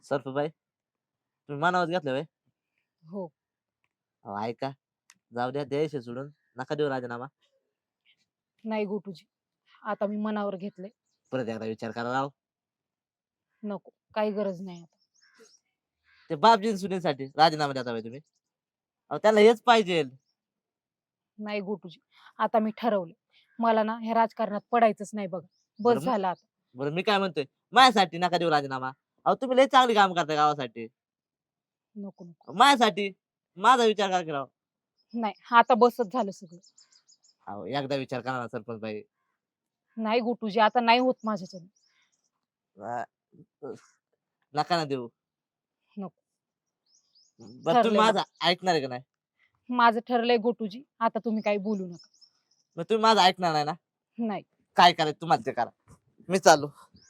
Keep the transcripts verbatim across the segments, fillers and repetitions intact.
सरफबाई तुम्ही मनावर घेतलं व्हय? हो. अहो ऐका, जाऊ द्या द्यायचे सोडून, नका देऊ राजीनामा. नाही गोटूजी, आता मी मनावर घेतलंय. परत एकदा विचार करा राव. नको, काही गरज नाही आता. ते बापजीन सुनीसाठी राजीनामा देता व्हय तुम्ही? अहो त्यांना हेच पाहिजे. नाही गोटूजी, आता मी ठरवलं. मला ना ह्या राजकारणात पडायचंच नाही बघा. बस बरं म- झालं आता. बरं मी काय म्हणतोय, माझ्यासाठी नका देऊ राजीनामा. अहो तुम्ही लय चांगली काम करता गावासाठी. नको नको. माझ्यासाठी माझा विचार करा की राव. नाही, आता बसच झालं सगळं. अहो एकदा विचार करा ना सरपंच बाई. नाही गोटूजी, आता नाही होत माझ्याच्याने. अ, नका ना देऊ. नको. बरं तुम्ही ठरलंय माझं बघा. ऐकणार आहे का नाही? माझं ठरलंय गोटूजी, आता तुम्ही काही बोलू नका. मग तुम्ही माझं ऐकणार नाही ना? नाही. काय करायचं तुम्हाला ते करा. मी चालू.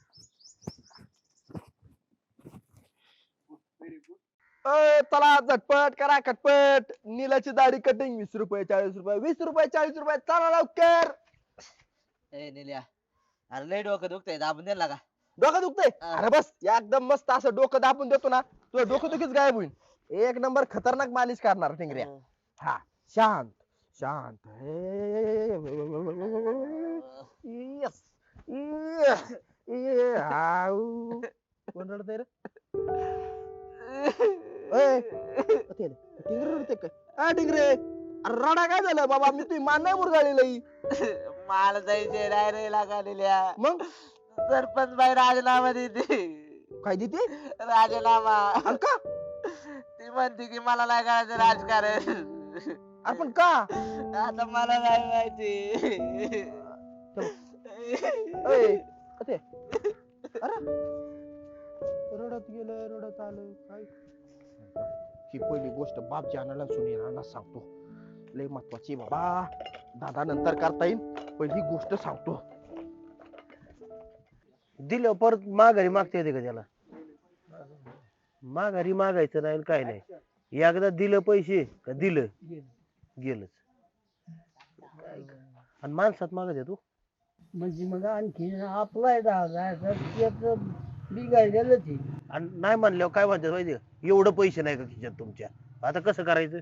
अय, चला झटपट करा खटपट. नीलाची दाढी कटिंग वीस रुपये चाळीस रुपये वीस रुपये चाळीस रुपये चला लवकर. ए निल्या, अरे लय डोकं दुखतंय, दाबून द्यायला का? डोकं दुखतंय? हा. अरे बस एकदम मस्त असं डोकं दाबून देतो ना, तुझं डोकं दुखीच गायब होईल. एक नंबर खतरनाक मालिश करणार टिंगऱ्या. हा, शांत शांत. यस. आऊ. कोण रडतंय रे? ए, ते रे, टिंगरे रडते काय? आ टिंगरे, अरे रडा काय झालं बाबा? मी तुझी मान नाही मुरगाळी लई. मला जायचे नाही रे लागा निल्या. मग सरपंच बाई राजीनामा देते. काय देते? राजीनामा. अरे का? ती म्हणते की मला नाही करायचं राजकारण. अरे पण का? आता मला नाही माहिती. ए, ते. अरे रडत गेलं रडत आलं काय? ही पहिली गोष्ट बाप जानाला सुनेला सांगतो. लय महत्वाची बाबा. दादा नंतर करता येईल, पहिली गोष्ट सांगतो. दिलं परत माघारी मागता येते का त्याला? माघारी मागायचं नाही आणि काय नाही. एकदा दिलं पैसे का दिलं गेलंच. आणि माणसात मागत आहे तू. म्हणजे मग आणखी अप्लाय झाला बिघाडलेलंच आहे. आणि नाही म्हणल्यावर काय म्हणतात माहिती का? एवढं पैसे नाही का खिशात तुमच्या, आता कसं करायचं?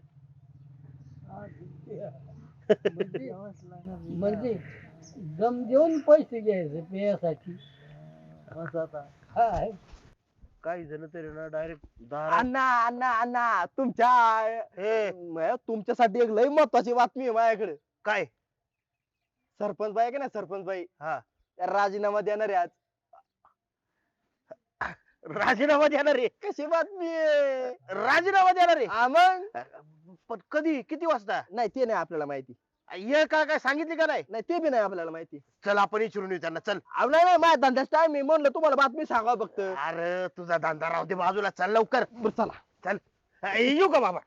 म्हणजे म्हणजे दम देऊन पैसे घ्यायचे पेयासाठी असं आता काय काही जण तरी ना डायरेक्ट दार. अण्णा अण्णा अण्णा तुमच्या ए म- तुमच्यासाठी एक लय महत्वाची बातमी आहे माझ्याकडे. काय? सरपंच बाई आहे का ना सरपंच बाई, हा, त्या राजीनामा देणार आहे आज. राजीनामा देणार रे? कशी बातमी आहे? राजीनामा देणार रे? हा मग पण कधी, किती वाजता? नाही ते नाही आपल्याला माहिती. ये का काय सांगितली का नाही? नाही ते बी नाही आपल्याला माहिती. चल आपण विचारून येऊ त्यांना. चल. अहो, नाही नाही माझ्या धंद्याच टाइम मी म्हणलं तुम्हाला बातमी सांगा फक्त. अरे तुझा धंदा राहू दे बाजूला, चल लवकर. बरं चला. चल. अ, येऊ का बाबा?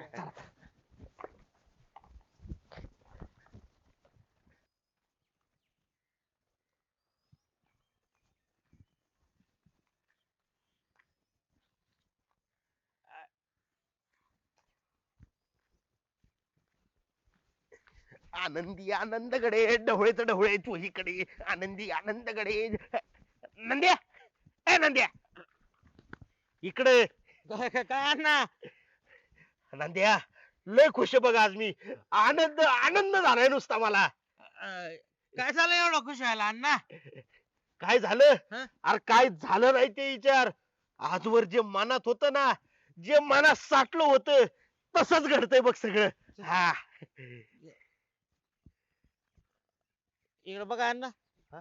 आनंदी आनंदकडे ढवळेच ढवळे तू इकडे. आनंदी आनंदकडे. नंद्या, ए नंद्या, इकडे. काय ना नंद्या, लय खुश आहे बघ आज मी. आनंद आनंद झालाय नुसता मला. काय झालं एवढं खुश व्हायला अण्णा? काय झालं? हं? अरे काय झालं नाही ते विचार. आजवर जे मनात होत ना, जे मनात साठलं होतं तसंच घडतंय बघ सगळं. हा. इकडे बघा अण्णा. हा?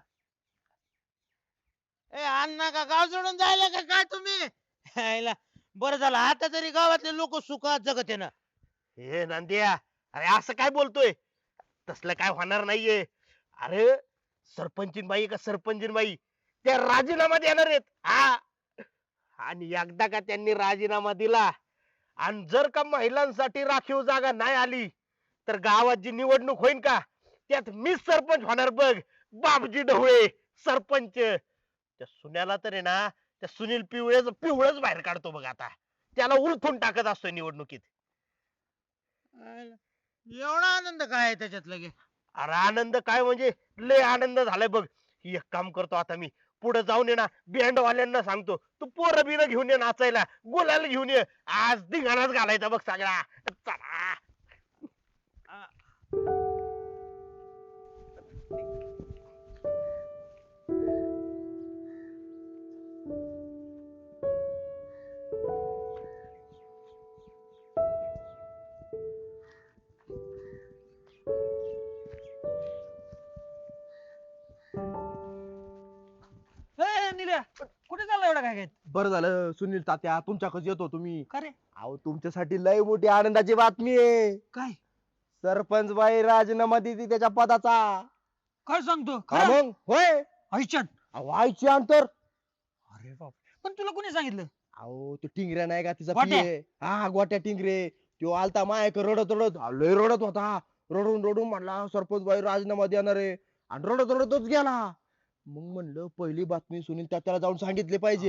ए अण्णा का गाव सोडून जायला का काय तुम्ही? हायला, बरं झालं आता तरी गावातले लोक सुखात जगत आहे ना. हे नंद्या, अरे असं काय बोलतोय? तसलं काय होणार नाहीये. अरे सरपंचीन बाई का सरपंचीन बाई त्या राजीनामा देणार आहेत. हा, आणि एकदा का त्यांनी राजीनामा दिला आणि जर का महिलांसाठी राखीव जागा नाही आली तर गावात जी निवडणूक होईल का त्यात मीच सरपंच होणार बघ. बापजी ढवळे सरपंच. त्या सुन्याला तर आहे ना, त्या सुनील पिवळेच पिवळच बाहेर काढतो बघ आता. त्याला उलथून टाकत असतोय निवडणुकीत. हायला, एवढा आनंद काय आहे त्याच्यात लगे? अरे आनंद काय म्हणजे लय आनंद झालाय बघ. एक काम करतो आता मी, पुढे जाऊन ये ना बँडवाल्यांना सांगतो तू पोरं बिरं घेऊन ये नाचायला, गुलाल घेऊन ये, आज धिंगाणाच घालायचा बघ सगळा. चला. ए, निल्या कुठे चालला एवढा काय काय बरं झालं सुनील तात्या तुमच्याकडे येतो तुम्ही. का रे अहो तुमच्यासाठी लय मोठी आनंदाची बातमी आहे. काय सरपंच बाई राजीनामा देते त्याच्या पदाचा. काय सांगतो हा मग होय. आईच्यान अहो आईची अंतर. अरे बाप पण तुला कोणी सांगितलं अहो तो टिंगऱ्या नाही का तिचा गोट्या? पिये हा गोट्या टिंगरे तो आलता मायक रडत रडत अहो, लय रडत होता. रडून रडून म्हणला सरपंच बाई राजीनामा देणार आहे आणि रडत रडतच गेला. मग म्हणलं पहिली बातमी सुनील तात्याला जाऊन सांगितले पाहिजे.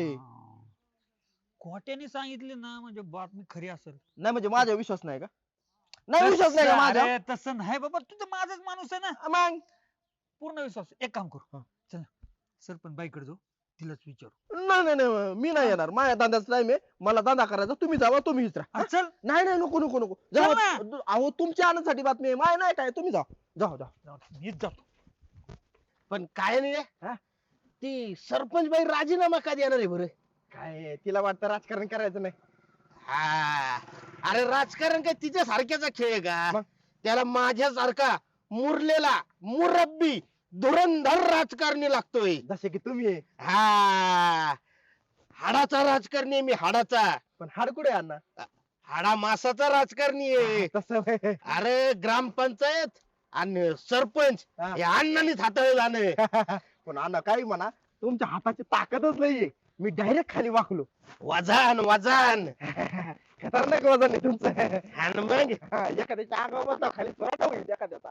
कोट्याने सांगितले ना म्हणजे बातमी खरी असेल. नाही म्हणजे माझा विश्वास नाही का? नाही विश्वास नाही का तसं- माझा? अरे, तसं नाही बाबा तू तर माझाच माणूस आहे ना. मग पूर्ण विश्वास आहे. एक काम करू हा. चल सरपंच बाईकडे जाऊ तिलाच विचारू. नाही नाही नाही मी नाही येणार. माझ्या धंद्याचा टाइम आहे. मला धंदा करायचा. तुम्ही जावा तुम्ही विचारा. हा, चल नाही नाही नको नको नको चल जाऊ. ना. अहो तुमच्या आनंदासाठी बातमी आहे. माय नाही काय तुम्ही जा जाऊ जा. जाऊ दे, मीच जातो. पण काय नाही रे, हा? ती सरपंच बाई राजीनामा का देणार आहे बरं? काय तिला वाटतं राजकारण करायचं नाही. हा अरे राजकारण काय तिच्या सारख्याचा खेळ आहे का? मग? त्याला माझ्यासारखा मुरलेला मुरब्बी धुरंधर राजकारणी लागतोय. जसे की तुम्ही आहे. हा हाडाचा राजकारणी आहे मी, हाडाचा. पण हाड कुठे आहे अण्णा? हाडा मासाचा राजकारणी आहे. तसं व्हय. अरे ग्रामपंचायत आणि सरपंच हा. हे अण्णांनीच हाताळलं जाणं. पण अण्णा काही म्हणा तुमच्या हाताची ताकदच नाहीये. मी डायरेक्ट खाली वाकलो. वजन वजन खतरनाक वजन आहे तुमचं. आणि मग हा, एखाद्याच्या अंगावर बसला खाली पराठा होईल एखाद्याचा.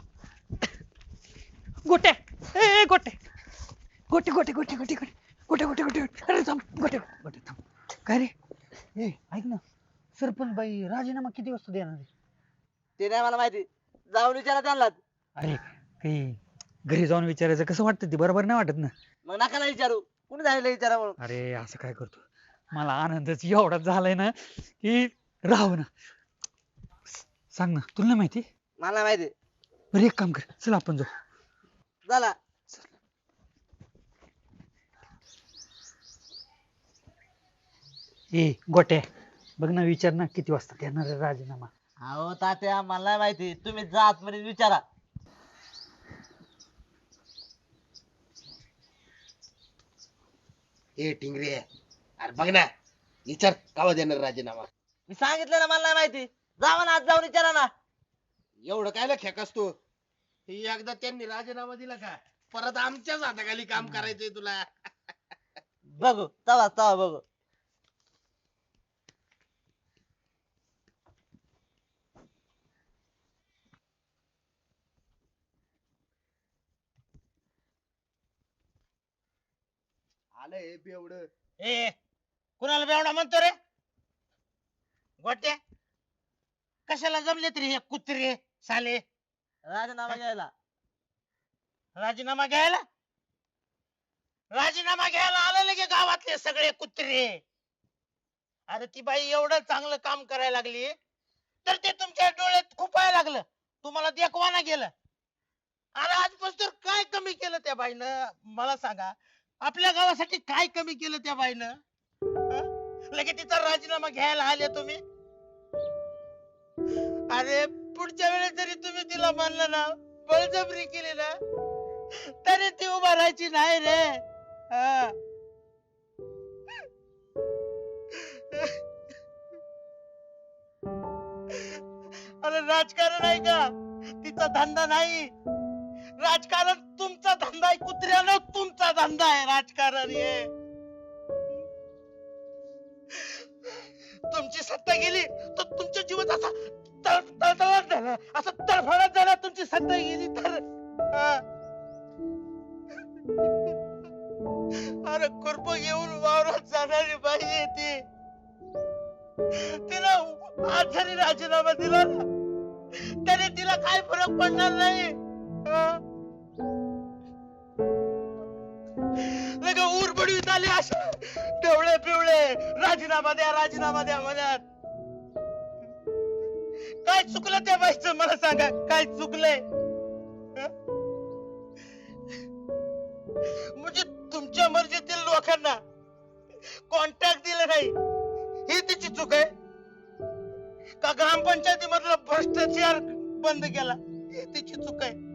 गोट्या ए ए, गोटे गोटे गोटे गोटे गोटे गोटे गोटे गोटे गोटे गोटे. अरे थांब गोटे गोटे थांब. काय रे ए ऐक ना सरपंच बाई राजीनामा किती वाजता देणार आहे? ते नाही मला माहिती, जाऊन विचारा त्यांना. अरे काही घरी जाऊन विचारायचं कसं वाटतं ते बरोबर नाही वाटत ना. मग नका ना विचारू, कुणी झालेलं विचारा म्हणून. अरे असं काय करतो मला आनंदच एवढा झालाय ना की राहू ना. सांग ना तुला नाही माहिती. मला नाही माहिती. बरं एक काम कर चल आपण जाऊ. झाला ए गोट्या बघ ना विचार ना किती वाजता देणार आहे राजीनामा. अहो तात्या मला नाही माहिती, तुम्ही जा आतमध्ये विचारा. ए टिंगरे अरे बघ ना विचार कावा देणार राजीनामा. मी सांगितलं ना मला नाही माहिती. जावा ना आज जाऊन विचारा ना. एवढं काय खेकस तू. एकदा त्यांनी राजीनामा दिला का परत आमच्याच हाताखाली काम करायचंय तुला. बघू तवा तवा बघू. आलंय बेवडं. ए कुणाला बेवडा म्हणतो रे? गोट्या कशाला जमले तरी हे कुत्रे साले राजीनामा घ्यायला. राजीनामा घ्यायला राजीनामा घ्यायला आलेले की गावातले सगळे कुत्रे. अरे ती बाई एवढं चांगलं काम करायला लागली तर ते तुमच्या डोळ्यात खुपायला लागलं, तुम्हाला देखवाना गेलं. अरे आजपासून काय कमी केलं त्या बाईनं मला सांगा. आपल्या गावासाठी काय कमी केलं त्या बाईनं? हं? लगेच तिचा राजीनामा घ्यायला आले तुम्ही. अरे पुढच्या वेळेस जरी तुम्ही तिला मानलं ना, बळजबरी केली ना, तरी ती उभा राहायची नाही रे. हा. अरे राजकारण आहे का तिचा धंदा नाही. राजकारण तुमचा धंदा आहे कुत्र्यानं, तुमचा धंदा आहे राजकारण हे. तुमची सत्ता गेली तर तुमच्या जीवात असा तळ- तळतळाट झाला, असा तडफडाट झाला तुमची सत्ता गेली तर. हा. अरे कुरप घेऊन वावरात जाणारी बाई आहे ती. तिला आज जरी राजीनामा दिला ना तरी तिला काय फरक पडणार नाही. हा? झाले असे डवळे पिवळे राजीनामा द्या राजीनामा द्या म्हणत. काय चुकलं त्या बाईचं मला सांगा, काय चुकलंय? हं? म्हणजे तुमच्या मर्जीतील लोकांना कॉन्टॅक्ट दिलं नाही ही तिची चूक आहे का? ग्रामपंचायती मधला भ्रष्टाचार बंद केला ही तिची चूक आहे?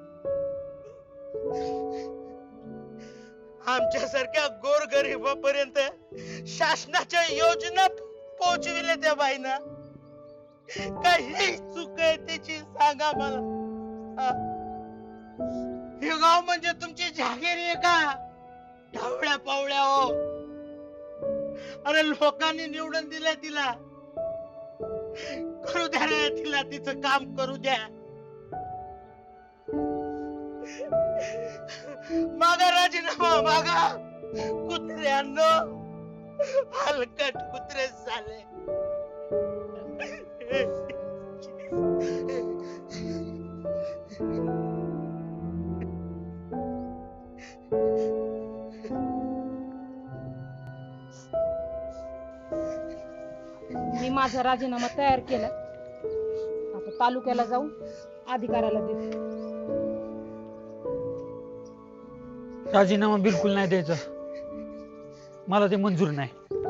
आमच्यासारख्या गोरगरिबापर्यंत शासनाच्या योजना पोहोचविल्या त्या बाईना, काही चूक आहे त्याची सांगा मला. हा? हे गाव म्हणजे तुमची जागीर आहे का? ढवळ्या पावळ्या हो. अरे लोकांनी निवडून दिलंय तिला, करू द्या रे तिला तिचं काम करू द्या. मागा राजीनामा मागा, कुत्र्यांनो हलकट कुत्रे झाले. मी माझा राजीनामा तयार केला. आता तालुक्याला जाऊन अधिकाऱ्याला देते. राजीनामा बिलकुल नाही द्यायचा, मला ते मंजूर नाही.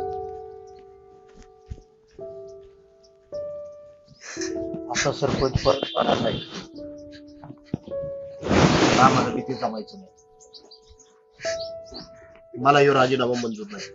आता सरपंच परत आला नाही, आम्हाला किती जमायचं नाही. मला ह्यो राजीनामा मंजूर नाही.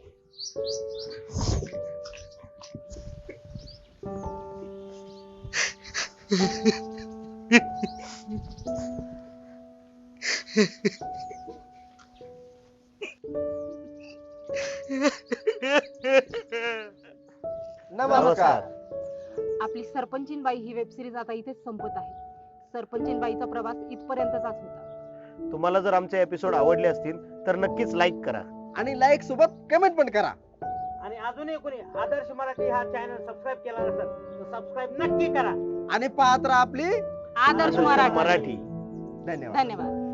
नमस्कार. आपली सरपंचीन बाई ही वेब सिरीज आता इथेच संपत आहे. सरपंचीन बाईचा प्रवास इथपर्यंतचाच होता. तुम्हाला जर आमचे एपिसोड आवडले असतील तर नक्कीच लाईक करा. आणि लाईक सोबत कमेंट पण करा. आणि अजूनही कोणी आदर्श मराठी हा चॅनल सबस्क्राईब केला नसेल तर सबस्क्राईब नक्की करा. आणि पाहत राहा आपली आदर्श मराठी. मराठी धन्यवाद. धन्यवाद.